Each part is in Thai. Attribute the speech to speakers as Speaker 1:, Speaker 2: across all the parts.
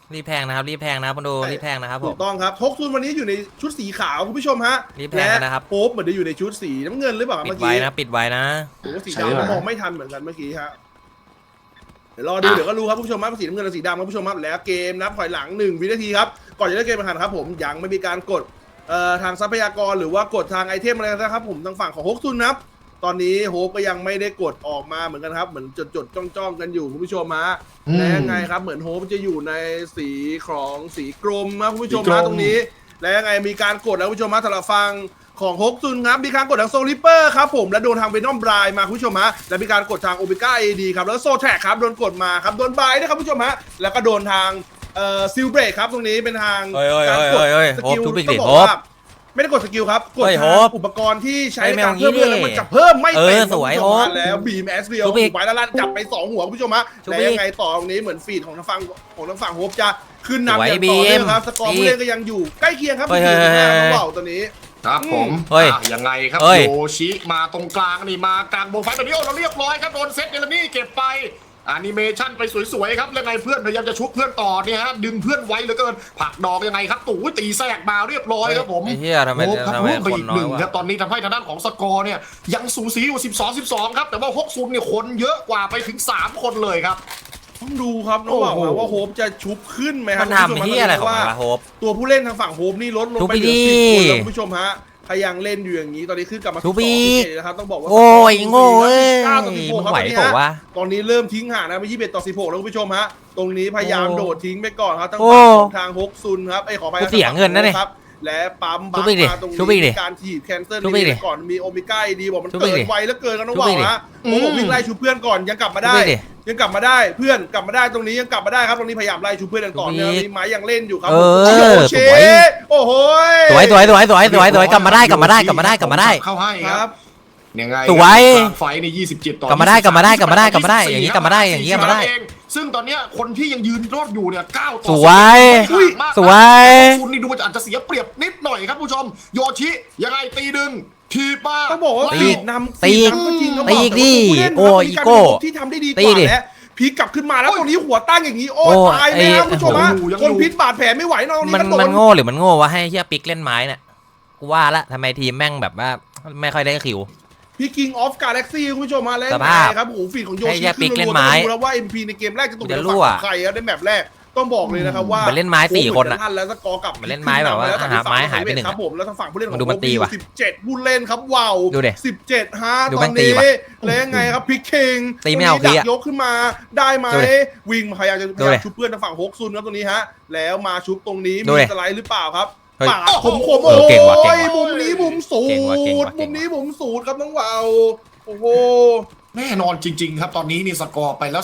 Speaker 1: รีบแพงนะครับรีบแพงนะครับคุณดูรีบแพงนะครับผ
Speaker 2: ถู
Speaker 1: ม
Speaker 2: กต้องครับทกซุนวันนี้อยู่ในชุดสีขาวคุณผู้ชมฮะ
Speaker 1: รีบแพงนะครับ
Speaker 2: โป๊ปเหมือนจะอยู่ในชุดสีน้ำเงินหรือเปล่า
Speaker 1: ปิ
Speaker 2: เมื่
Speaker 1: ด
Speaker 2: อ
Speaker 1: ไว้
Speaker 2: กี้
Speaker 1: นะปิดไว้นะ
Speaker 2: หรือว่าสีดำมองไม่ทันเหมือนกันเมื่อกี้ฮะเดี๋ยวรอดูเดี๋ยวก็รู้ครับคุณผู้ชมครับสีน้ำเงินกับสีดำครับคุณผู้ชมครับแล้วเกมนับถอยหลัง1 วินาทีครับก่อนจะเริ่มเกมแข่งขันครับผมยังไม่มีการกดทางทรัพยากรหรือว่ากดทางไอเทมอะไรนะครับผมทางฝั่งของฮกซุนนะครับตอนนี้โฮปก็ยังไม่ได้กดออกมาเหมือนกันครับเหมือนจดจ้องกันอยู่คุณผู้ชมฮะและยังไงครับเหมือนโฮปจะอยู่ในสีของสีกรมนะคุณผู้ชมฮะตรงนี้ และยังไงมีการกดแล้วคุณผู้ชมฮะสำหรับฟังของฮกซุนครับมีการกดทางโซลิเปอร์ครับผมและโดนทางเวนอมบรายมาคุณผู้ชมฮะและมีการกดทางโอเมก้าเอดีครับแล้วโซแท็กครับโดนกดมาครับโดนบายนะครับคุณผู้ชมฮะแล้วก็โดนทางซิลเบรกครับตรงนี้เป็นทางการกดสกิลต้องบอกว่าไม่ได้กดสกิลครับกดทางอุปกรณ์ที่ใช้ในการเพิ่มเลือดแล้วมันจะเพิ่มไม่เป็นสวยแล้วบีมแอสเรียลไปแล้วลั่นจับไป2หัวคุณผู้ชมฮะและยังไงต่อตรงนี้เหมือนฟีดของทางฝั่งโฮปจะขึ้นนำอย่างต่อเนื่องครับสกอร์ผู้เล่นก็ยังอยู่ใกล้เคียงครับที่ต้องบอกตัวนี้
Speaker 3: ครับผมยังไงครับโยชิมาตรงกลางนี่มากลางวงไฟแบบนี้โอ้เราเรียบร้อยครับโดนเซตเดลนี่เก็บไปแอนิเมชันไปสวยๆครับแล้วไงเพื่อนพยายามจะชุบเพื่อนต่อเนี่ยฮะดึงเพื่อนไว้เหลือเกินผลักดอกยังไงครับตู่ตีแทรกมาเรียบร้อยครับผม
Speaker 1: ไอ้เหี้ยทำไม
Speaker 3: ครับร่วมไปอีกหนึ่งครับตอนนี้ทำให้ทางด้านของสกอร์เนี่ยยังสูสีอยู่12-12ครับแต่ว่าฮกซุนเนี่ยคนเยอะกว่าไปถึง3คนเลยครับ
Speaker 2: ต้องดูครับน้องบอกว่าโฮปจะชุบขึ้นไหมครั
Speaker 1: มันทำเหี้ยอะไรของมันวะโฮป
Speaker 2: ตัวผู้เล่นทางฝั่งโฮปนี่ลดลงไปเหลือ10 คนแล้วคุณผู้ชมฮะพยังเล่นอยู่อย่างนี้ตอนนี้ขึ้นกลับมา2-11นะครับต้องบอกว่า
Speaker 1: โอ้ยโง่เอ้ย
Speaker 2: 9-16ครับ
Speaker 1: ไหวเปล่าวะ
Speaker 2: ตอนนี้เริ่มทิ้งห่างนะไป21-16แล้วคุณผู้ชมฮะตรงนี้พยายามโดดทิ้งไปก่อนครับทั้งฝั่งของทางฮกซุนครับขอไป
Speaker 1: เสียเงินนะเนี่ย
Speaker 2: และปั๊มบัฟมาตรงนี้การถีบแคนเซิลนี่ก่อนมีโอเมก้าดีบอกมันเกิดไวแล้วเกินกันน้องบอกฮะผมวิ่งไล่ชูเพื่อนก่อนยังกลับมาได้ยังกลับมาได้เพื่อนกลับมาได้ตรงนี้ยังกลับมาได้ครับตรงนี้พยายามไล่ชูเพื่อนกันต่อเนื่องมีไม้ยังเล่นอยู่ครับโอ้โห
Speaker 1: สวยกลับมาได้
Speaker 3: เข้าให้ครับยังไง
Speaker 1: สวย
Speaker 3: ไฟใน27ต่อก
Speaker 1: ลับมาได้อย่างนี้กลับมาได้
Speaker 3: ซึ่งตอนนี้คนที่ยังยืนรอดอยู่เนี่ย9 ต่อ
Speaker 1: สวย
Speaker 3: คุณนี่ดูอาจจะเสียเปรียบนิดหน่อยครับผู้ชมโยชิยังไงตีดึงทีป้า
Speaker 2: ต้องบอกว่าตีนำ
Speaker 1: ตีอีกดิโอ้อีโก้
Speaker 2: ที่ทำได้ดีกว่าแล้วพีกลับขึ้นมาแล้วตรงนี้หัวตั้งอย่างนี้โอ้ตายไหมครับผู้ชมฮะคนพิษบาดแผลไม่ไหวน้องนี่
Speaker 1: มันโง่หรือมันโง่วะให้เฮียปิกเล่นไม้เนี่ยกูว่าละทำไมทีมแม่งแบบว่าไม่ค่อยได้คิว
Speaker 2: พี่คิงออฟกาแล็กซี่คุณผู้ชมมาแล้วครับโอ้โหฟีดของโยชิขึ้นรัวๆดูแล้วว่า MP ในเกมแรกจะตกเป็นฝั่งใครครับในแมปแรกต้องบอกเลยนะครับว่า
Speaker 1: มันเล่นไม้4 คนนะ
Speaker 2: แล้วสกอร์กลับ
Speaker 1: มันเล่นไม้แบบว่าหาไม้หายไป1
Speaker 2: ครับผมแล้วทางฝั่งผู้เล่นของ
Speaker 1: ดูมันตีว่ะ
Speaker 2: 17ผู้เล่นครับว้าว17ฮะตอนนี้แล้วยังไงครับพี่คิง
Speaker 1: ตีไม่เอาพี่
Speaker 2: ยกขึ้นมาได้ไหมวิ่งพยายามจะชุบเพื่อนทางฝั่งฮกซุนครับตรงนี้ฮะแล้วมาชุบตรงนี้มีสไลด์หรือเปล่าครับปากผมโอ้ยมุมนี้มุมสูดมุมนี้มุมสูดครับน้องวาวโอ้โห
Speaker 3: แน่นอนจริงๆครับตอนนี้นี่สกอร์ไปแล้ว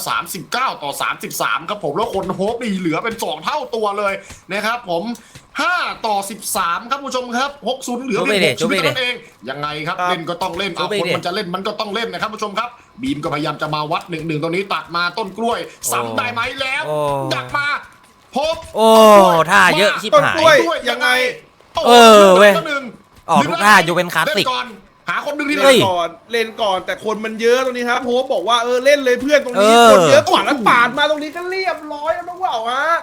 Speaker 3: 39-33ครับผมแล้วคนโฮปนี่เหลือเป็น2 เท่าตัวเลยนะครับผม5-13ครับผู้ชมครับ60เหลือเป็น6ชีวิตนั่นเองยังไงครับเล่นก็ต้องเล่นเอาคนมันจะเล่นมันก็ต้องเล่นนะครับผู้ชมครับบีมก็พยายามจะมาวัด1-1ตรงนี้ตัดมาต้นกล้วยซ้ำได้ไหมแล้วดักมาพบ
Speaker 1: โอ้ท่าเยอะชิบหาย
Speaker 3: ยังไง
Speaker 1: เว้ยออกทุกท่าอยู่เป็นคลาสสิก
Speaker 3: หาคนดึงที่
Speaker 2: เล่นก่อนแต่คนมันเยอะตรงนี้ครับโฮปบอกว่าเล่นเลยเพื่อนตรงนี้คนเยอะกว่าแล้วปาดมาตรงนี้ก็เรียบร้อยแล้วน้องว่าวฮะ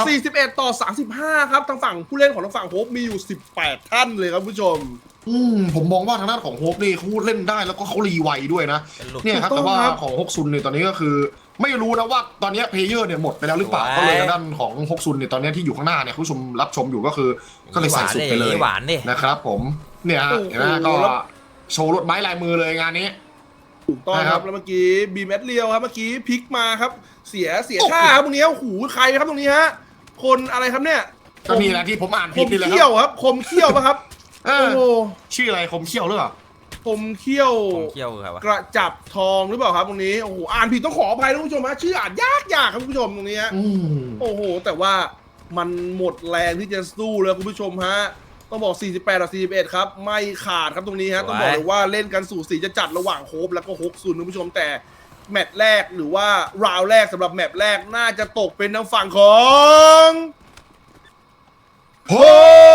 Speaker 2: 41-35ครับทางฝั่งผู้เล่นของทางฝั่งโฮปมีอยู่18 ท่านเลยครับผู้ชม
Speaker 3: ผมมองว่าทางด้านของโฮปนี่เขาเล่นได้แล้วก็เขารีไวด้วยนะเนี่ยครับแต่ว่าของฮกซุนเนี่ยตอนนี้ก็คือไม่รู้นะว่าตอนนี้เพลเยอร์เนี่ยหมดไปแล้วหรือเปล่าก็เลยทางด้านของฮกซุนเนี่ยตอนนี้ที่อยู่ข้างหน้าเนี่ยผู้ชมรับชมอยู่ก็คือก็เลยใส่สุดไปเลยนะครับผมเนี่ยเห็นไหมก็โชว์รถไม้ลายมือเลยงานนี้
Speaker 2: ถูกต้องครับแล้วเมื่อกี้บีแมทเรียวครับเมื่อกี้พลิกมาครับเสียท่าครับตรงนี้หูใครครับตรงนี้ฮะคนอะไรครับเนี่ย
Speaker 3: ก็นี่แหละที่ผมอ่านผิดนี่แหละ
Speaker 2: คมเขี้ยวครับคมเขี้ยวป่ะครับ
Speaker 3: โอ้ชื่ออะไรคมเขี้ยวหรือเปล่า
Speaker 2: คมเขี้ยว
Speaker 1: ครับ
Speaker 2: กระจับทองหรือเปล่าครับตรงนี้โอ้โหอ่านผิดต้องขออภัยท่านผู้ชมฮะชื่ออ่านยากครับคุณผู้ชมตรงนี้โอ้โหแต่ว่ามันหมดแรงที่จะสู้เลยคุณผู้ชมฮะต้องบอก48-41ครับไม่ขาดครับตรงนี้ฮะต้องบอกเลยว่าเล่นกันสูสีจะจัดระหว่างโฮปแล้วก็ฮกซุนคุณผู้ชมแต่แมตช์แรกหรือว่าราวแรกสำหรับแมตช์แรกน่าจะตกเป็นทางฝั่งของโฮ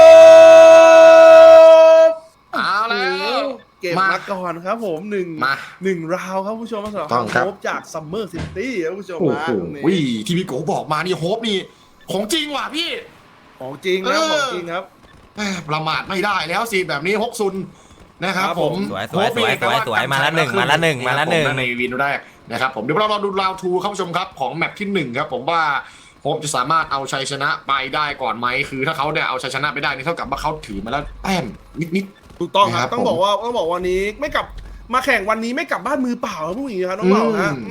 Speaker 2: ป
Speaker 3: เอาแล้ว
Speaker 2: เก็บมาก่อนครับผมหนึ่งราวครับผู้ชมสำหรับโฮปจากซัมเมอร์ซิตี้ครับผู้ชมมา
Speaker 3: ที่พี่โกบอกมานี่โฮปนี่ของจริงว่ะพี่
Speaker 2: ของจริงนะของจริงครับ
Speaker 3: ประมาทไม่ได้แล้วสิแบบนี้ฮกซุนนะครับ
Speaker 2: ครับ
Speaker 3: ผ
Speaker 2: ผม ม
Speaker 1: สวยมาละหนึ่ง
Speaker 3: ในวินแรกนะครับผมเดี๋ยวเรารอดูราวทูครับผู้ชมครับของแมปที่1ครับผมว่าโฮปจะสามารถเอาชัยชนะไปได้ก่อนไหมคือถ้าเขาเนี่ยเอาชัยชนะไปได้นี่เท่ากับว่าเขาถือมาแล้วแต้มนิด
Speaker 2: ถูกต้องค
Speaker 3: ครั
Speaker 2: รั
Speaker 3: บบ
Speaker 2: ต้องบอกว่าวันนี้ไม่กลับมาแข่งวันนี้ไม่กลับบ้านมือเปล่าครับพวกนี้ครับน้องเปล่าฮะ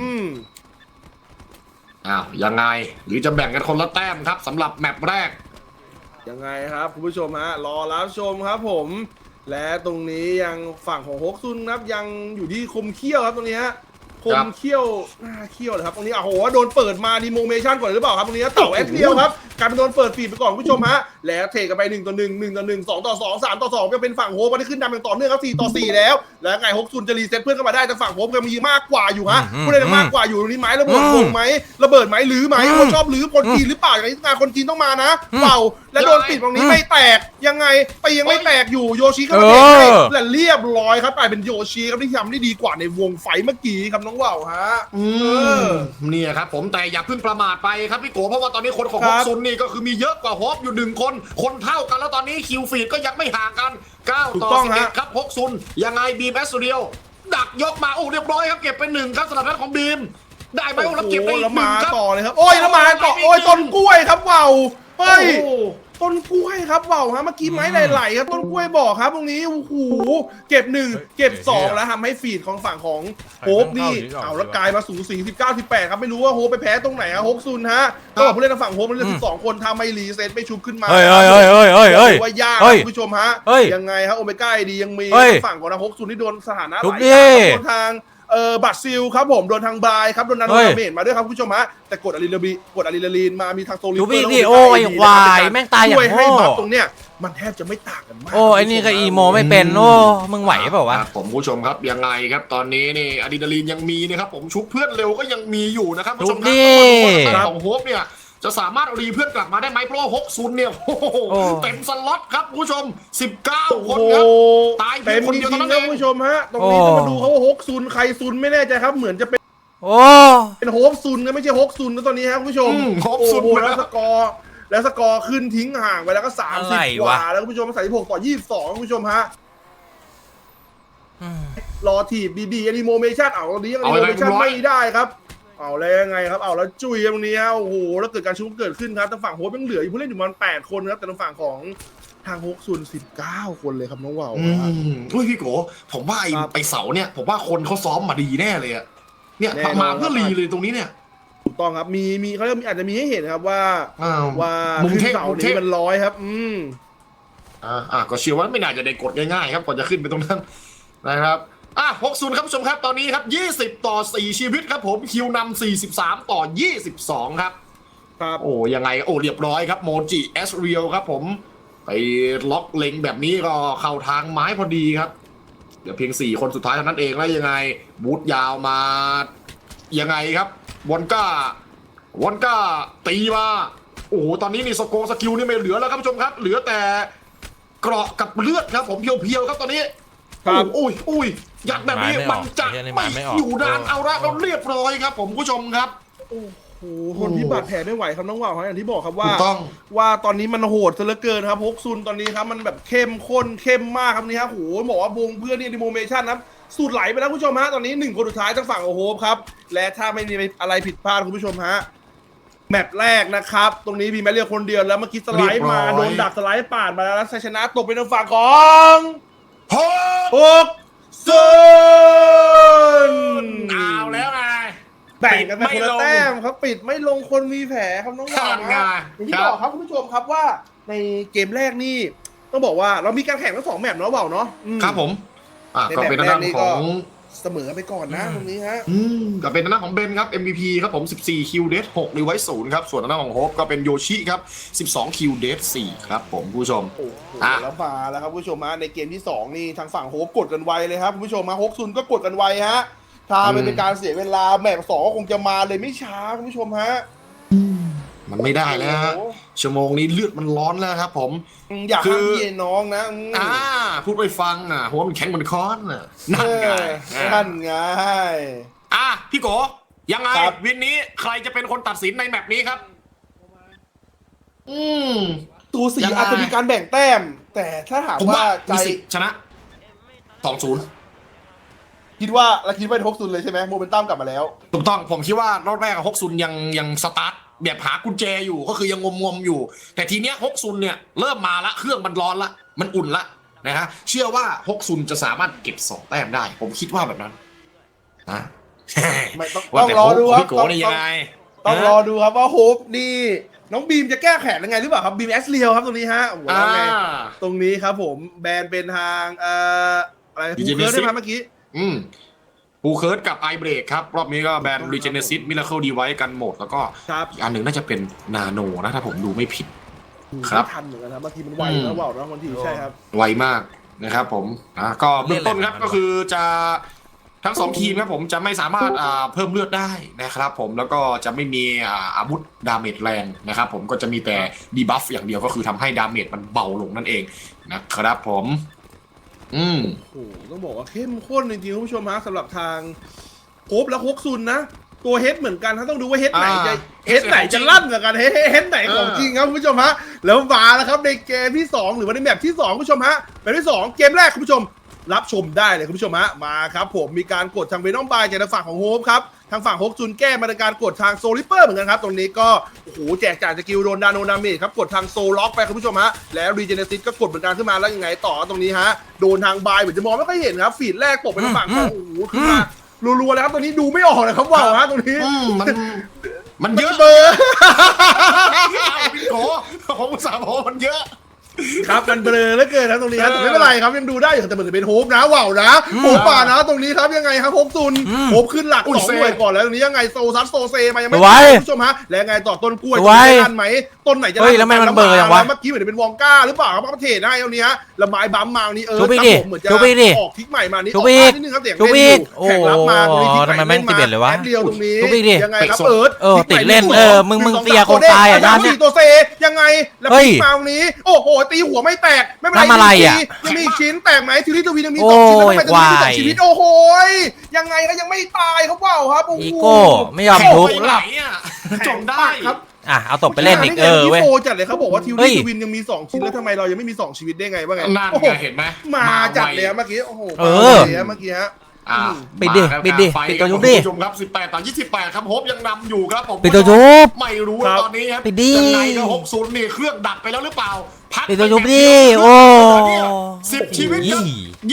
Speaker 3: อ้าวยังไงหรือจะแบ่งกันคนละแต้มครับสำหรับแมปแรก
Speaker 2: ยังไงครับคุณผู้ชมฮะรอรับชมครับผม และตรงนี้ยังฝั่งของฮกซุนครับยังอยู่ที่คมเขี้ยวครับตรงนี้ฮะคมเขี้ยวหน้าเขี้ยวเลยครับตรงนี้โอ้โหโดนเปิดมาดีโมเมชั่นก่อนหรือเปล่าครับตรงนี้เต่าแอคเดียวครับกลายเป็นโดนเปิดฟีดไปก่อนคุณผู้ชมฮะแล้วเทกันไป1 ต่อ 1 1 ต่อ 1 2 ต่อ 2 3 ต่อ 2ก็เป็นฝั่งโฮปที่ขึ้นนำอย่างต่อเนื่องครับ4 ต่อ 4แล้วแล้วไงฮกซุนจะรีเซ็ตเพื่อนเข้ามาได้แต่ฝั่งโฮปก็มีมากกว่าอยู่ฮะผู้เล่นมากกว่าอยู่ตรงนี้ไหมระเบิดวงไหมระเบิดไหมหรือไหมคนชอบหรือคนจีนหรือเปล่าอย่างนี้งานคนจีนต้องมานะเปล่าและโดนปิดตรงนี้ไม่แตกยังไงไปยังไม่แตกอยู่โยชิเข้ามาเตะให้และเรียบร้อยครับกลายเป็นโยชิครับที่ทำได้ดีกว่าในวงไฟเมื่อกี้ครับน้องว่าวฮะ
Speaker 3: เนี่ยครับผมแต่อย่าเพิ่งประมาทไปครับพี่โกเพราะว่าตอนนี้คนของฮกซุนนี่ก็คือมีเยอะกว่าฮอปอยู่1 คนเท่ากันแล้วตอนนี้คิวฟีดก็ยังไม่ห่างกัน9 ต่อ 11ครับฮกซุนยังไงบีมแอสเรียวดักยกมาโอ้เรียบร้อยครับเก็บไป1ครับสำหรับท่านของบีมได้ไหมแล้วเก็บไปอีก1ครับ
Speaker 2: ต่อเลยครับโอ้ยแล้วมาต่อโอ้ยต้นกล้วยครับว่าวเฮ้ยต้นกล้วยครับว่าวฮะเมื่อกี้ไม้ไหลๆครับต้นกล้วยบอกครับตรงนี้โอ้โหเก็บ1เก็บ2แล้วทำให้ฟีดของฝั่งของโฮปนี่เอาแล้วกลายมาสูสี19-18ครับไม่รู้ว่าโฮปไปแพ้ตรงไหนอะฮกซุนฮะก็บอกผู้เล่นทางฝั่งโฮปมันเหลือ12 คนทำไม่รีเซ็ตไม่ชุบขึ้นมาว่ายากคุณผู้ชมฮะยังไงครับโอเมก้าดียังมีฝั่งของฮกซุนที่โดนสถานะไหลทางบัตรซิลครับผมโดนทางบายครับโดนนันโดนเมจมาด้วยครับคุณผู้ชมฮะแต่กดอะดรีนาลีนมามีทางโซลิเฟอร์แล้ว
Speaker 1: โอ้ยควายแม่งตายอย่าง
Speaker 2: ช่วยให้
Speaker 1: โง่
Speaker 2: บัฟตรงเนี้ยมันแทบจะไม่ต่างกันมาก
Speaker 1: โอ้ไอ้นี่ก็อีโมไม่เป็นโอ้มึงไหวเปล่าวะ
Speaker 3: ผมผู้ชมครับยังไงครับตอนนี้นี่อะดรีนาลีนยังมีนะครับผมชุบเพื่อนเร็วก็ยังมีอยู่นะครับผู้ชมครับของโฮปเนี่ยจะสามารถรีเพื่อนกลับมาได้ไหมเพราะฮกซุนเนี่ยโอ้โหเต็มสล็อตครับผู้ชม19 คนครับตายเพียงคนเดียวเท่านั้นเอง
Speaker 2: คุณผู้ชมฮะตรงนี้ต้องมาดูเขาว่าฮกซุนใครซุนไม่แน่ใจครับเหมือนจะเป็นโฮปซุนนะไม่ใช่ฮกซุนนะตอนนี้ครับคุณผู้ชม
Speaker 3: ฮกซุน
Speaker 2: แล้วสกอร์ขึ้นทิ้งห่างไปแล้วก็30 กว่าแล้วคุณผู้ชม36 ต่อ 22คุณผู้ชมฮะรอถีบบีแอนิโมเมชั่นเอาตอนนี้แอนิโมเมชั่นไม่ได้ครับเอาแล้วยังไงครับเอาแล้วจุยตรงนี้ฮะโอ้โหแล้วเกิดการชุบเกิดขึ้นครับทางฝั่งโฮปยังเหลืออยู่ผู้เล่นอยู่ประมาณ8 คนครับแต่ทางฝั่งของทางฮกซุน19 คนเลยครับน้องว่าว
Speaker 3: อุ้ยพี่โกผมว่าไอเสาเนี่ยผมว่าคนเขาซ้อมมาดีแน่เลยอะเนี่ยมาเพื่อรีเลยตรงนี้เนี่ย
Speaker 2: ถูกต้องครับมีเขาอาจจะมีให้เห็นครับว่าขึ้นเสานี้มันร้อยครับ
Speaker 3: ก็เชื่อว่าไม่น่าจะได้กดง่ายๆครับก่อนจะขึ้นไปตรงนั้นนะครับ60ครับผู้ชมครับตอนนี้ครับ20 ต่อ 4 ชีวิตครับผมคิวนำ43 ต่อ 22ครับโอ้ยังไงโอ้เรียบร้อยครับโมจิเอสเรียลครับผมไปล็อกเล็งแบบนี้ก็เข้าทางไม้พอดีครับเดี๋ยวเพียง4 คนสุดท้ายเท่านั้นเองแล้วยังไงบูทยาวมายังไงครับวอนก้าตีมาโอ้โหตอนนี้นี่สกิลนี่ไม่เหลือแล้วครับผู้ชมครับเหลือแต่เกราะกับเลือดครับผมเพียวๆครับตอนนี้อุ้ยยัดแบบนี้มันจะไม่อยู่นานเอาละเราเรียบร้อยครับผมผู้ชมครับ
Speaker 2: โอ้โหคนที่บาดแผลไม่ไหวครับน้องว่าวอย่างที่บอกครับว่าตอนนี้มันโหดซะเหลือเกินครับฮกซุนตอนนี้ครับมันแบบเข้มข้นเข้มมากครับนี่ฮะโหบอกว่าวงเพื่อนนี่ดิโมเมชั่นครับสูตรไหลไปแล้วคุณผู้ชมฮะตอนนี้1 คนสุดท้ายทางฝั่งโอโฮปครับและถ้าไม่มีอะไรผิดพลาดคุณผู้ชมฮะแมตช์แรกนะครับตรงนี้มีแมตช์เรียกคนเดียวแล้วเมื่อกี้สไลด์มาโดนดักสไลด์ปาดมาแล้วชัยชนะตกเป็นทางฝั่งของฮกซุน
Speaker 3: เอาแล้วไง
Speaker 2: แบ่งกันไปคนละแต้มครับปิดไม่ลงคนมีแผลครับน้องว่าวอย่างที่บอกครับคุณผู้ชมครับว่าในเกมแรกนี่ต้องบอกว่าเรามีการแข่งทั้ง2 แมตช์เนาะว่าวเนาะ
Speaker 3: ครับผมก็เป็นด้านของ
Speaker 2: เสมอไปก่อนนะตรงนี้ฮะ
Speaker 3: ก็เป็นด้านของเบนครับ MVP ครับผม14คิวเดท6รีไวซ์0ครับส่วนด้านของโฮปก็เป็นโยชิครับ12คิวเดท4ครับผมผู้ชม
Speaker 2: แล้วมาแล้วครับผู้ชมฮะในเกมที่2นี่ทางฝั่งโฮปกดกันไวเลยครับผู้ชมมาฮกซุนก็กดกันไวฮะถ้าเป็นการเสียเวลาแมตช์2ก็คงจะมาเลยไม่ช้าคุณผู้ชมฮะ
Speaker 3: มันไม่ได้แล้วชั่วโมงนี้เลือดมันร้อนแล้วครับผม
Speaker 2: อยากให้พี่น้องนะ
Speaker 3: พูดไปฟังหัวมันแข็งเหมือนค้อนนั่นไง
Speaker 2: พี่
Speaker 3: โกยังไงวินนี้ใครจะเป็นคนตัดสินในแมปนี้ครับอืม
Speaker 2: ตูสี
Speaker 3: ยังไง
Speaker 2: อาจจะมีการแบ่งแต้ม แต่ถ้าถาม
Speaker 3: ผม
Speaker 2: ว่า
Speaker 3: ว่า
Speaker 2: ใจ
Speaker 3: มีสิทธิ์ชนะ2-0
Speaker 2: คิดว่าเราคิดว่าฮกซุนเลยใช่ไหมโมเมนตัมกลับมาแล้ว
Speaker 3: ถูกต้องผมคิดว่ารอบแรกฮกซุนยังสตาร์ทแบบหากุญแจอยู่ก็คือยังงมอยู่ แต่ทีเนี้ยฮกซุนเนี่ยเริ่มมาละเครื่องมันร้อนละมันอุ่นละนะฮะเชื่อว่าฮกซุนจะสามารถเก็บ2 แต้มได้ ผมคิดว่าแบบนั้นนะ
Speaker 2: ไม่ต้อง
Speaker 3: ว่าแต่
Speaker 2: รอดูครับ
Speaker 3: พี่โกนี่ยังไง
Speaker 2: ต้องรอดูครับว่าโฮปนี่น้องบีมจะแก้แขนยังไงหรือเปล่าครับบีมแอสเรียวครับตรงนี้ฮะโอ้โหแล้วไงตรงนี้ครับผมแบนเป็นทางอะไรภูเคิร์ดได้ไหมเมื่อกี้
Speaker 3: ปูเคิร์ดกับไอเบรกครับ รอบนี้ก็แบนรีเจเนซิสมิราเคิลดีไวกันหมด แล้วก็
Speaker 2: ครับ
Speaker 3: อีกอันหนึ่งน่าจะเป็นนาโนนะถ้าผมดูไม่ผิด ครับ
Speaker 2: ไม่ทันเหมือนกันนะบางทีมันไวแล้วเปล่านะบางทีใช่ครับ
Speaker 3: ไวมากนะครับผมก็เบื้องต้นครับก็คือจะทั้ง2 ทีมครับผมจะไม่สามารถเพิ่มเลือดได้นะครับผมแล้วก็จะไม่มีอาวุธดาเมจแรงนะครับผมก็จะมีแต่ดีบัฟอย่างเดียวก็คือทำให้ดาเมจมันเบาลงนั่นเองนะครับผม
Speaker 2: โอ้โหต้องบอกว่าเข้มข้นจริงๆคุณผู้ชมฮะสำหรับทางโฮปและฮกซุนนะตัวเฮดเหมือนกันถ้าต้องดูว่าเฮดไหนจะเฮดไหนจะลั่นกับกันเฮดไหนของจริงครับคุณผู้ชมฮะแล้วมาแล้วครับในเกมที่2หรือว่าในแมปที่2คุณผู้ชมฮะแมปที่2เกมแรกคุณผู้ชมรับชมได้เลยคุณผู้ชมฮะมาครับผมมีการกดทางเวนอมบายจากทางฝั่งของโฮปครับทางฝั่งฮกซุนแก้มาในการกดทางโซลิเปอร์เหมือนกันครับตรงนี้ก็โอ้โหแจกจ่ายสกิลโดนดาโนนาเมจครับกดทางโซล็อกไปคุณผู้ชมฮะแล้วรีเจเนซิสก็กดเหมือนกันขึ้นมาแล้วยังไงต่อตรงนี้ฮะโดนทางบายเหมือนจะมองไม่ค่อยเห็นครับฟีดแรกตกไปทางฝั่งของโอ้โหขึ้นมารัวๆแล้วครับตรงนี้ดูไม่ออกเลยครับว่าวฮะตรงนี้
Speaker 3: มันเยอะ
Speaker 2: เบอร์
Speaker 3: พี่โกผมอุตส่าห์บอกว่ามันเยอะ
Speaker 2: ครับมันเบลอเหลือเกินนะตรงนี้ครับแต่ไม่เป็นไรครับยังดูได้อยู่แต่เหมือนจะเป็นโฮปนะว่าวนะโฮปป่านะตรงนี้ครับยังไงครับโฮปซุนโฮปขึ้นหลัก2 หน่วยก่อนแล้วตรงนี้ยังไงโซซัสโซเซมายังไม่ได้คุณผู้ชมฮะแล้วไงต่อต้นกล้วยจะทันไหมต้นไหนจะ
Speaker 1: แล้วมันเบอร์อย่างวะ
Speaker 2: เมื่อกี้เหมือนเป็นวองก้าหรือเปล่าครับประเทศได้ตรงนี้ฮะแล้วไม้บัมมาตรงนี้
Speaker 1: ชุบอีกดิ
Speaker 2: เหมือนจะ
Speaker 1: ชุบอีกดิ
Speaker 2: ออกทิกใหม่มานี่
Speaker 1: ชุ
Speaker 2: ออบ ก
Speaker 1: อีก
Speaker 2: นิดนึงครับเสียง
Speaker 1: ชุบ
Speaker 2: เล่น
Speaker 1: อี
Speaker 2: อก ยู่แข่งรับมาตรงนี้ทิก
Speaker 1: ทำไมแม่ง11เลยวะ
Speaker 2: แป๊บเดียวตรงนี้
Speaker 1: ชุบอีกดิ
Speaker 2: ยังไงครับ
Speaker 1: ติดเล่นมึงเสียโคตายอ่ะ
Speaker 2: 4ตัวเซยังไงแล้วพลิกมาตรงนี้โอ้โหตีหัวไม่แตกไม่เป็นไร
Speaker 1: ทำอะไรอ่ะ
Speaker 2: ยังมีอีกชิ้นแตกไหมทีนี้ตัววียังมี2 ชิ้นแล้วทำไมตัววีมี2 ชีวิตโอ้โหยังไงก็ยังไม่ตายครับว้าวครับโอ้โห
Speaker 1: อีโก้ไม่ยอมทุบ
Speaker 3: ไปไหนอ่ะจมได้
Speaker 2: ครับ
Speaker 1: เอาตบไปเล่นอีกเว้ย
Speaker 2: โฟจัดเลยเขาบอกว่าทิว
Speaker 1: เฮ้
Speaker 2: ลี่
Speaker 1: ย
Speaker 2: ทวินยังมี2 ชิ้นแล้วทำไมเรายังไม่มี2 ชีวิตได้ไงวะไง
Speaker 3: นั่น
Speaker 2: โอ้โห
Speaker 3: ไงเห็นไหม
Speaker 2: มาจัดเลยเมื่อกี้โอ้โห
Speaker 1: เออ
Speaker 2: มาเลยเมื่อกี้ฮะ
Speaker 1: ปิดดิ
Speaker 3: มาครับ
Speaker 1: ปิดดิ
Speaker 3: ไฟ
Speaker 1: ปิดตัวยุบ
Speaker 3: คุณ
Speaker 1: ดิ
Speaker 3: ผู้ชมครับ18-28ครับโฮปยังนำอยู่ครับผม
Speaker 1: ปิดตัวยุบ
Speaker 3: ไม่รู้
Speaker 2: ครับ
Speaker 3: ตอนนี้ครับ
Speaker 1: ปิดดิ
Speaker 3: ยังไงก็60นี่เครื่องดับไปแล้วหรือเปล่าพัก
Speaker 1: ปิดตัวยุบ
Speaker 3: ไป
Speaker 1: ดิ
Speaker 3: แบบ
Speaker 1: โอ้
Speaker 3: 10 ชีวิตครับ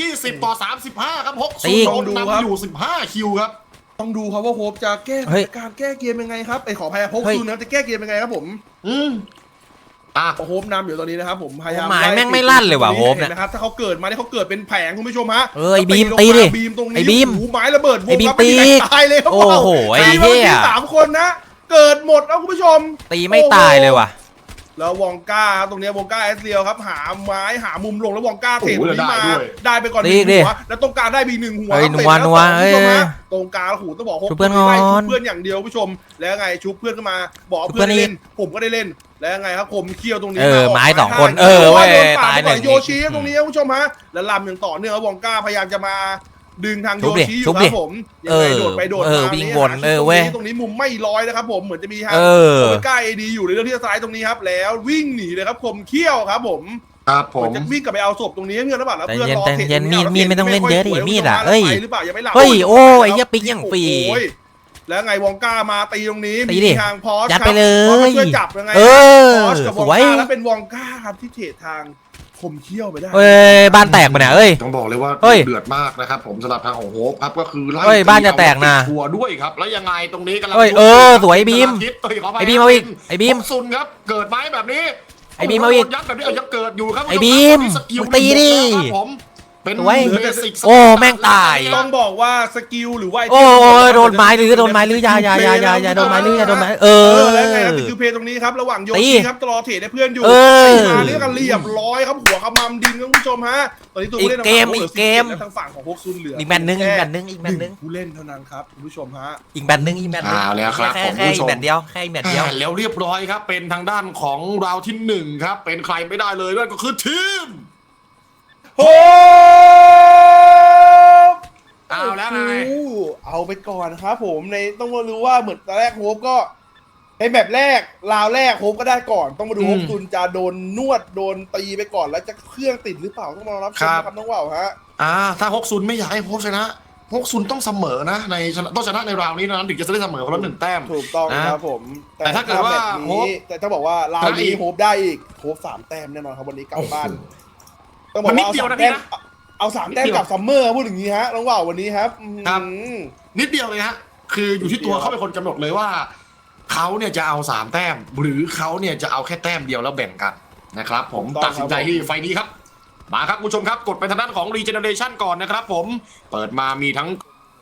Speaker 3: 20-35ครับ60
Speaker 1: ตี
Speaker 3: โดนนำอยู่15 คิวครับ
Speaker 2: ต้องดูครับว่าโฮปจะแก้
Speaker 1: เฮ้ย
Speaker 2: การแก้เกมยังไงครับขอพายาพก
Speaker 1: เฮ้ย
Speaker 2: ซูนนะจะแก้เกมยังไงครับผม
Speaker 3: โฮ
Speaker 2: โฮปนำอยู่ตอนนี้นะครับผมพยายาม
Speaker 1: หมายแม่งไม่ลั่นเลยว่ะโฮปเนี่ย
Speaker 2: ห็นะครับถ้าเขาเกิดมาเนี่ยเขาเกิดเป็นแผงคุณผู้ชมฮะ
Speaker 1: ไอ้บีม
Speaker 2: แล้ว
Speaker 1: ตีดิ
Speaker 2: บีมตรงนี้
Speaker 1: ไอ้บีม
Speaker 2: หูไม้ระเบิดวง
Speaker 1: ไอ้บีม
Speaker 2: ครับไม่มีใคร
Speaker 1: ตี
Speaker 2: ตายเลยครับ
Speaker 1: โอ้โหไอ้
Speaker 2: ตี
Speaker 1: เหี้
Speaker 2: มาย 3 คนนะเกิดหมดแล้วคุณผู้ชม
Speaker 1: ตีไม่ตายเลยว่ะ
Speaker 2: แล้ววองก้าตรงนี้วองก้าเอสเรียวครับหาไม้หามุมลงแล้ววองก้าเทตรงนี้มาได้ไปก่อนหนึ่งหัวแล้วตรงกลางได้บี1 หัว
Speaker 1: เฮ้ย
Speaker 2: เตะ
Speaker 1: นัว
Speaker 2: แล้วคุณผู้ชม
Speaker 1: เอ้ย
Speaker 2: ฮะตรงกลางหูต้องบอก
Speaker 1: ชุบเพื่อนก่อน
Speaker 2: ชุบเพื่อนอย่างเดียวคุณผู้ชมแล้วไงชุบเพื่อนขึ้นมาบอกเพื่อนได้เล่นผมก็ได้เล่นแล้วไงครับผมเคี่ยวตรงนี้
Speaker 1: ไม้2 คน
Speaker 2: โด
Speaker 1: เว้ย
Speaker 2: นปา
Speaker 1: ตาย
Speaker 2: ไป
Speaker 1: ห
Speaker 2: ก่อ
Speaker 1: นึ่
Speaker 2: น
Speaker 1: ง
Speaker 2: โยชิตรงนี้คุณผู้ชมฮะแล้วลำอย่างต่อเนื่องครับวองก้าพยายามจะมาดึงทางโยชิอยู่ครับผมยังไงโดดไปโดดมา
Speaker 1: วิ่งวนเว้ย
Speaker 2: ตรงนี้มุมไม่ร้อยนะครับผมเหมือนจะมีทาง
Speaker 1: เออ
Speaker 2: โอเมก้าเอดีอยู่ในเรื่องที่ซ้ายตรงนี้ครับแล้ววิ่งหนีเลยครับคมเขี้ยวครับผม
Speaker 3: ครับผ
Speaker 2: เหมือ
Speaker 3: ม
Speaker 2: นจะวิ่งกลับไปเอาศพตรงนี้เงินหรือเปล่าแล้ว
Speaker 1: แต่
Speaker 2: เพื่อนรอ
Speaker 1: เย็น
Speaker 2: เทรด
Speaker 1: มีดไม่ต้องเล่นเยอะดิมีดอะ
Speaker 2: เฮ้
Speaker 1: เอ้ย
Speaker 2: หรือเปล่ายังไม่หลับ
Speaker 1: เฮ้ยโอ้ยไอ้เหี้ยปิ๊กอย่างฟรี
Speaker 2: โอ้ยแล้วไงวองก้ามาตีตรงนี้
Speaker 1: ตีดิ
Speaker 2: มีทางพอส
Speaker 1: ยัดไปเลย
Speaker 2: พอสช่วยจับยังไง
Speaker 1: เออ
Speaker 2: พอสกับวอง
Speaker 1: สวย
Speaker 2: ก้าแล้วเป็นวองก้าครับที่เทรดทางคมเขี้ยวไปได้
Speaker 1: เฮ้ยบ้านแตกปะเนี่ยเอ้ย
Speaker 3: ต้องบอกเลยว่า
Speaker 1: เฮ้ย
Speaker 3: เดือดมากนะครับผมสำหรับทางของโฮปครับก็คือไล่
Speaker 1: เฮ้ยบ้านจะแตกนะ
Speaker 3: ทัวร์ด้วยครับแล้วยังไงตรงนี้กำลัง
Speaker 1: เฮ้ยสวยบีม
Speaker 3: ไอ้
Speaker 1: ไอ้บีมเอาอีกไอ้บีม
Speaker 3: ซุนครับเกิดไหมแบบนี้
Speaker 1: ไอ้บีมเอาอีก
Speaker 3: ยัดแบบนี้ยังเกิดอยู่ครับ
Speaker 1: ไอ้บีม
Speaker 3: สกิล
Speaker 1: มึงตีดิ
Speaker 3: ครับผมเป็น
Speaker 1: สวย
Speaker 3: เบสิก
Speaker 1: โอ้แม่งตาย
Speaker 2: ต้องบอกว่าสกิลหรือว่า
Speaker 1: โอ้ยโดนไม้หรือโดนไม้หรืออยาโดนไม้หรืออยาโดนไม้
Speaker 2: แล้วไงครับติวเพย์ตรงนี้ครับระหว่างโยชิครับรอเทรดให้เพื่อนอยู่
Speaker 1: เออ
Speaker 2: มาเรียกกันเรียบร้อยครับหัวขมำดินครับคุณผู้ชมฮะตอนนี้ตัวผู้เล่น
Speaker 1: อีกเกม
Speaker 2: แล้วทางฝั่งของพวกซุนเหลือ
Speaker 1: อี
Speaker 2: อี
Speaker 1: กแมตช์หนึ่งอีกแมตช์หนึ่งอีกแมตช์หนึ่ง
Speaker 2: ผู้เล่นเท่านั้นครับคุณผู้ชมฮะ
Speaker 1: อีกแมตช์หนึ่งอีกแมตช์หนึ่ง
Speaker 3: แล้วครับ
Speaker 1: แค่
Speaker 3: ผมผู้ช
Speaker 1: อีก
Speaker 3: ม
Speaker 1: แมตช์เดียวแค่อีกแมตช์เดียว
Speaker 3: แล้วเรียบร้อยครับเป็นทางด้านของราวที่หนึ่งครับเป็นใครไม่ได้เลยด้วยก็คือทีม
Speaker 2: โอ้
Speaker 3: เอาแล้วไง
Speaker 2: เอาไปก่อนครับผมในต้องมารู้ว่าเหมือนตอนแรกโฮปก็ในแบบแรกราวแรกโฮปก็ได้ก่อนต้องมาดู
Speaker 3: อืม
Speaker 2: โฮปซุนจะโดนนวดโดนตีไปก่อนแล้วจะเครื่องติดหรือเปล่าต้องมารับชมนะครับน้องว่าวฮะ
Speaker 3: ถ้าฮกซุนไม่อยากให้โฮปชนะฮกซุนต้องเสมอนะในต้องชนะในราวนี้นะถึงจะได้เสมอคนละ1 แต้ม
Speaker 2: ถูกต้อง
Speaker 3: นะครับ
Speaker 2: ผม
Speaker 3: แต่ถ้าเกิดว่า
Speaker 2: แบบ
Speaker 3: โฮป
Speaker 2: นี้แต่ถ้าบอกว่าราว
Speaker 3: ได้อี
Speaker 2: นี้
Speaker 3: ก
Speaker 2: โฮปได้อีกโฮป3 แต้มแน่นอนครับวันนี้กลับบ้านต้องบอก
Speaker 3: มันนิด
Speaker 2: ว่า
Speaker 3: เดียว
Speaker 2: เอา
Speaker 3: นะ
Speaker 2: 3 แต้ม
Speaker 3: พี่นะ
Speaker 2: เอา3 แต้มกับซัมเมอร์พูดอย่างนี้ฮะน้องว่าววันนี้ครับ
Speaker 3: ครับ
Speaker 2: อืม
Speaker 3: นิดเดียวเลยฮะคืออยู่ที่ตัวเขาเป็นคนกำหนดเลยว่าเขาเนี่ยจะเอา3 แต้ม หรือเขาเนี่ยจะเอาแค่แต้มเดียวแล้วแบ่งกันนะครับผมตัดสินใจที่ไฟนี้ครับมาครับคุณผู้ชมครับกดไปทางด้านของ Regeneration ก่อนนะครับผมเปิดมามีทั้ง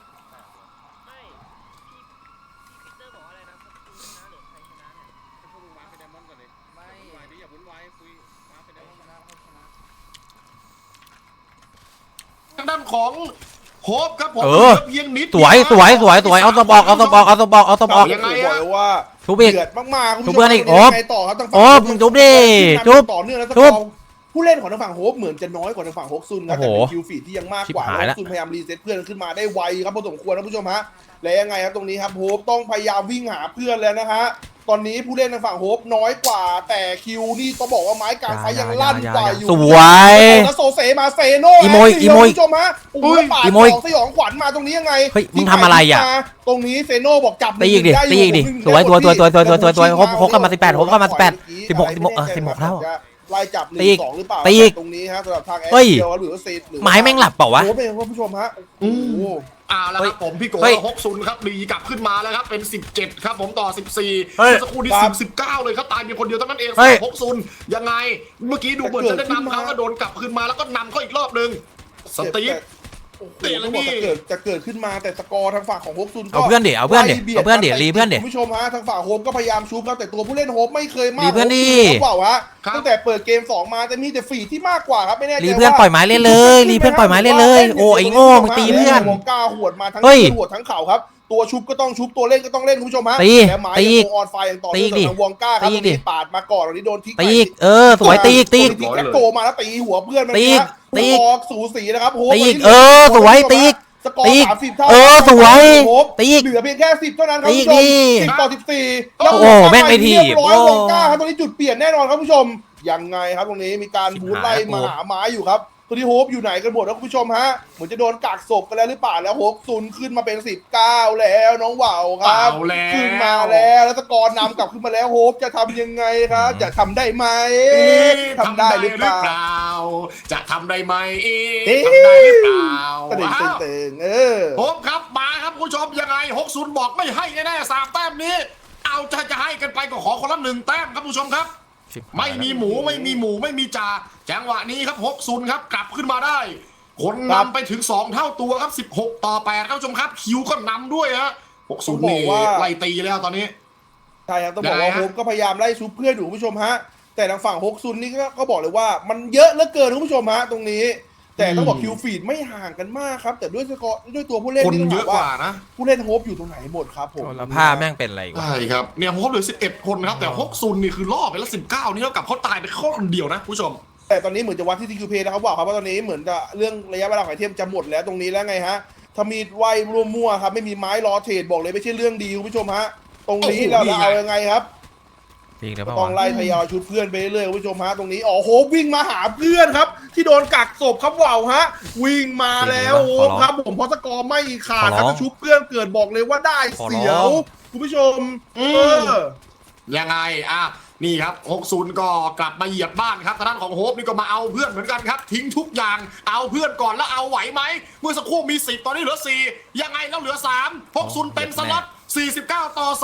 Speaker 3: ทางด้านของโฮปครับผม
Speaker 1: เออ
Speaker 3: เพียงนิด
Speaker 1: สวยสวยสวยสวยเอาสบอกเอาสบอกเอาสบอกเอาสบอก
Speaker 3: ยังไง
Speaker 2: บอ
Speaker 3: อะ
Speaker 2: กเลยว่า
Speaker 1: ทุบอีก
Speaker 2: เดือดมากๆคุณ
Speaker 1: ทุบ
Speaker 2: ผู้ช
Speaker 1: เพื่
Speaker 2: ม
Speaker 1: อนอีก
Speaker 2: วันนี้
Speaker 1: โอ๊บ
Speaker 2: ยังไงต่อครับทาง
Speaker 1: โอ๊
Speaker 2: ฝั่ง
Speaker 1: บมึงทุบดิ
Speaker 2: ทุ
Speaker 1: ทุ
Speaker 2: บบ ต่อเนื่องแล้ว
Speaker 1: ทุบ
Speaker 2: ผู้เล่นของทางฝั่งโฮปเหมือนจะน้อยกว่าทางฝั่งฮกซุนครับ
Speaker 1: โอ้
Speaker 2: แต่
Speaker 1: โห
Speaker 2: เป็นคิวฟีดที่ยังมากกว่า
Speaker 1: ชิบหาย
Speaker 2: ฮ
Speaker 1: ละ
Speaker 2: กซุนพยายามรีเซ็ตเพื่อนขึ้นมาได้ไวครับพอสมควรนะผู้ชมฮะและยังไงครับตรงนี้ครับโฮปต้องพยายามวิ่งหาเพื่อนแล้วนะฮะตอนนี้ผู้เล่นทางฝั่งโฮปน้อยกว่า แต่คิวนี่ต้องบอกว่าไม้กลางไฟยังลั่นกว่าอยู่
Speaker 1: สวย
Speaker 2: แล้วโซเซมาเซโน
Speaker 1: อีโมย
Speaker 2: แล้ว
Speaker 1: อีโมย
Speaker 2: คุณผู้ชมฮะโอ้โหปาด
Speaker 1: อีโมย
Speaker 2: สองสยองขวัญมาตรงนี้ยังไง
Speaker 1: เฮ้ยมึงทำอะไรอ่ะ
Speaker 2: ตรงนี้เซโนบอกจับ
Speaker 1: ตีอีกดิ
Speaker 2: ได้
Speaker 1: ตีอีกดิ
Speaker 2: ผม
Speaker 1: สวย
Speaker 2: ได้
Speaker 1: สวย
Speaker 2: หมด
Speaker 1: สวยสวยสวยสวยสวย
Speaker 2: แต่
Speaker 1: โฮปโฮปเข้ามา18โฮปเข้ามา18 16แล้ว
Speaker 2: ไล่จับหนึ่
Speaker 1: ตีอี
Speaker 2: ง
Speaker 1: ก
Speaker 2: สองหรือเปล่า
Speaker 1: ตีอีก
Speaker 2: ตรงนี้ฮะสำหรับทางแอ
Speaker 1: เฮ้ย
Speaker 2: เดียวหรือว่าเซตหรือ
Speaker 1: ไม้แม่งหลับเปล่าวะ
Speaker 2: โอ้โหเป็นคุณผู้ชมฮะโอ้โห
Speaker 3: แล้วครับผมพี่โก้
Speaker 1: เฮ้ย
Speaker 3: ฮกซุนครับรีกลับขึ้นมาแล้วครับเป็น17ครับผมต่อ14
Speaker 1: เฮ้ย
Speaker 3: เมื่อสักครู่นี้19เลยครับตายเพียงคนเดียวเท่านั้นเอง
Speaker 1: เฮ้ย
Speaker 3: ฮกซุนยังไงเมื่อกี้ดูเหมือนจะได้นำเขาก็โดนกลับขึ้นมาแล้วก็นำเขาอีกรอบนึงสตีฟ
Speaker 2: โอ้โห
Speaker 3: เตะแล้ว
Speaker 2: ต้องบอก
Speaker 3: นี่
Speaker 2: จะเกิดขึ้นมาแต่สกอร์ทางฝั่งของฮกซุนก็
Speaker 1: เอาเพื่อนดิเอาเพื่อนดิ
Speaker 2: ไล่บีย
Speaker 1: เอาเพื่อนดิ
Speaker 2: มา
Speaker 1: รีเพื่อนดิ
Speaker 2: คุณผู้ชมฮะทางฝั่งโฮมก็พยายามชูครับแต่ตัวผู้เล่นโฮมไม่เคยมาก
Speaker 1: รีเพื่อนดิ
Speaker 2: โฮมเปล่าวะ
Speaker 3: ครับ
Speaker 2: ตั้งแต่เปิดเกม2มาจะมีแต่ฝีที่มากกว่าครับไม่แน่ใจ
Speaker 1: รีเพื่อน
Speaker 2: ว่า
Speaker 1: ปล่อยไม้เล่นเลยรีเพื่อนปล่อยไม้เล่นเลยโอ้ไอ้โง่มึงตีเพื่อน
Speaker 2: วงก้าหวดมาทั้ง
Speaker 1: เฮ้ย
Speaker 2: หวดทั้งเข่าครับตัวชุบก็ต้องชุบตัวเล่นก็ต้องเล่นคุณผู้ชมฮะ
Speaker 1: ตี
Speaker 2: และไม้
Speaker 1: ตี
Speaker 2: ยังคงออนไฟอย่างต่อ
Speaker 1: ตี
Speaker 2: เนื่อง
Speaker 1: ดิ
Speaker 2: จากทางวงก้าครับ
Speaker 1: ตี
Speaker 2: ตรง
Speaker 1: ดิ
Speaker 2: นี้ปาดมาก่อนตรงนี้โดนทิ้ง
Speaker 1: ตีอีกสวยตีอีกตีอีก
Speaker 2: ตีแจ็คโกมาแล้วตีหัวเพื่อนมัน
Speaker 1: ตีอีก
Speaker 2: นะ
Speaker 1: ตีอีก
Speaker 2: ออกสูสีนะครับโฮม
Speaker 1: ตีอีก
Speaker 2: วันนี้
Speaker 1: สวยตีอีก
Speaker 2: สกอ
Speaker 1: ตี
Speaker 2: ร์
Speaker 1: อีก
Speaker 2: 30 เท่า
Speaker 1: สวย
Speaker 2: โฮม
Speaker 1: ตีอีก
Speaker 2: เหลือเพียงแค่10เท่านั้นครับ
Speaker 1: ตี
Speaker 2: คุณ
Speaker 1: อีก
Speaker 2: ผู้ชม
Speaker 1: ดิ
Speaker 2: 10 ต่อ 14
Speaker 1: โอ้โหแม่งไม่ถีบ
Speaker 2: เรียบร้อยวงก้า
Speaker 1: โอ้
Speaker 2: ครับตรงนี้จุดเปลี่ยนแน่นอนครับคุณผู้ชมยังไงครับตรงนี้มีการบูทไล่มาหาไม้อยู่ครับตัวนี้โฮปอยู่ไหนกันหมดแล้วคุณผู้ชมฮะเหมือนจะโดนกักศพกันแล้วหรือเปล่าแล้วโฮปซุนขึ้นมาเป็น19แล้วน้องว่าวครับ
Speaker 3: เอาแล้ว
Speaker 2: ขึ้นมาแล้วสกอร์นำกลับขึ้นมาแล้วโฮปจะทำยังไงครับจะทำได้ไหมทำได้หรือเปล่า
Speaker 3: จะทำได้ไหม
Speaker 2: เอ๊ะ
Speaker 3: ทำได้หรือเปล่า
Speaker 2: ตึง
Speaker 3: ว้าว
Speaker 2: ตึงเออ
Speaker 3: โฮปครับมาครับคุณผู้ชมยังไงฮกซุนบอกไม่ให้แน่ๆ3 แต้มนี้ เอาจะให้กันไปก็ขอคนละ1 แต้มครับคุณผู้ชมครับ ไม่มีหมูไม่มีจ่าจังหวะนี้ครับฮกซุนครับกลับขึ้นมาได้ คน
Speaker 2: ครับ
Speaker 3: นำไปถึง2 เท่าตัวครับ16 ต่อ 8ครับคุณผู้ชมครับคิวก็นำด้วยฮะฮกซุนนี่ไล่ตีแล้วตอนนี้
Speaker 2: ใช่ครับต้องบอกว่า
Speaker 3: ได้ฮะ
Speaker 2: โฮปก็พยายามไล่ชุบเพื่อนอยู่คุณผู้ชมฮะแต่ทางฝั่งฮกซุนนี่ก็บอกเลยว่ามันเยอะเหลือเกินคุณผู้ชมฮะตรงนี้ แต่ต้องบอกคิวฟีดไม่ห่างกันมากครับแต่ด้วยสกอร์ด้วยตัวผู้เล่น
Speaker 3: คน
Speaker 2: นี่ต้อง
Speaker 3: เย
Speaker 2: ถา
Speaker 3: อะ
Speaker 2: ม
Speaker 3: ก
Speaker 2: ว่า
Speaker 3: ว่านะ
Speaker 2: ผู้เล่นโฮปอยู่ตรงไหนหมดครับผม
Speaker 1: แล้วผ้าแม่งเป็นอะไรวะ
Speaker 3: ใช่ครับเนี่ยโฮปเหลือ11 คนนะครับแต่ฮกซุนนี่คือล่อไปแล้ว19นี่เท่ากับเขาตายไปแค่คนเดียวนะคุณผู้ชม
Speaker 2: แต่ตอนนี้เหมือนจะวัดที่ทีคิวเพนะครับว่าครับว่าตอนนี้เหมือนจะเรื่องระยะเวลาของไอเทมจะหมดแล้วตรงนี้แล้วไงฮะถ้ามีไว้ร่วมมั่วครับไม่มีไม้รอเทรดบอกเลยไม่ใช่เรื่องดีคุณผู้ชมฮะตรงนี้
Speaker 3: โอ้โห
Speaker 2: เรา
Speaker 3: นี่
Speaker 2: จะ
Speaker 3: ไง
Speaker 2: เอายังไงครับ
Speaker 1: จริงหรือเปล่า
Speaker 2: ต้อง
Speaker 1: วะ
Speaker 2: ไล่ทยอยชุดเพื่อนไปเรื่อยๆคุณผู้ชมฮะตรงนี้โฮปวิ่งมาหาเพื่อนครับ ที่โดนกักศพครับว่าวฮะวิ่งมาแล้วโฮปครับผมเพราะสกอร์ไม่ขาดครับถ้าชุบเพื่อนเกิดบอกเลยว่าได้เสียวคุณผู้ชม
Speaker 3: ยังไงนี่ครับ60ก็กลับมาเหยียบบ้านครับทางด้านของโฮปนี่ก็มาเอาเพื่อนเหมือนกันครับทิ้งทุกอย่างเอาเพื่อนก่อนแล้วเอาไหวไหมเมื่อสักครู่มี10ตอนนี้เหลือ4ยังไงแล้วเหลือ3 60เต็มสล็อต49 ต่อ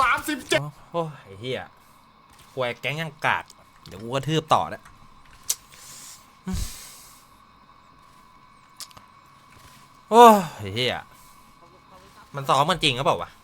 Speaker 3: 37
Speaker 1: โอ้ยไอ้เหี้ยควยแก๊งยังกากเดี๋ยวกูกระทืบต่อนะโอ้ยไอ้เหี้ยมันซ้อมมันจริงหรือเปล่าวะ